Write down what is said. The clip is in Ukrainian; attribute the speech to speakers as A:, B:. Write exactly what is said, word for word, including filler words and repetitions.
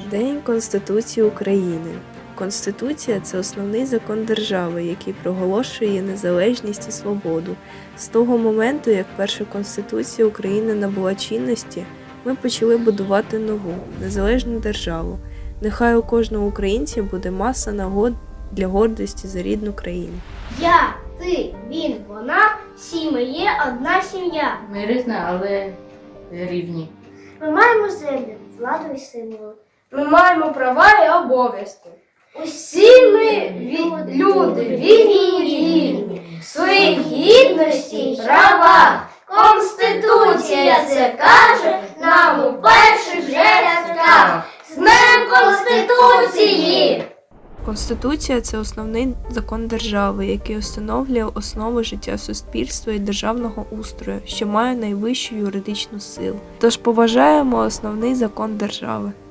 A: День Конституції України. Конституція – це основний закон держави, який проголошує її незалежність і свободу. З того моменту, як перша Конституція України набула чинності, ми почали будувати нову, незалежну державу. Нехай у кожного українця буде маса нагод для гордості за рідну країну.
B: Я, ти, він, вона, всі ми є одна сім'я.
C: Ми різні, але рівні.
B: Ми маємо землю, владу і символи.
D: Ми маємо права і обов'язки.
B: Усі ми ві- люди, вільні і рівні, в своїй гідності й правах. Конституція це каже нам у перших же рядках. З Днем Конституції!
A: Конституція – це основний закон держави, який встановлює основи життя суспільства і державного устрою, що має найвищу юридичну силу. Тож поважаємо основний закон держави.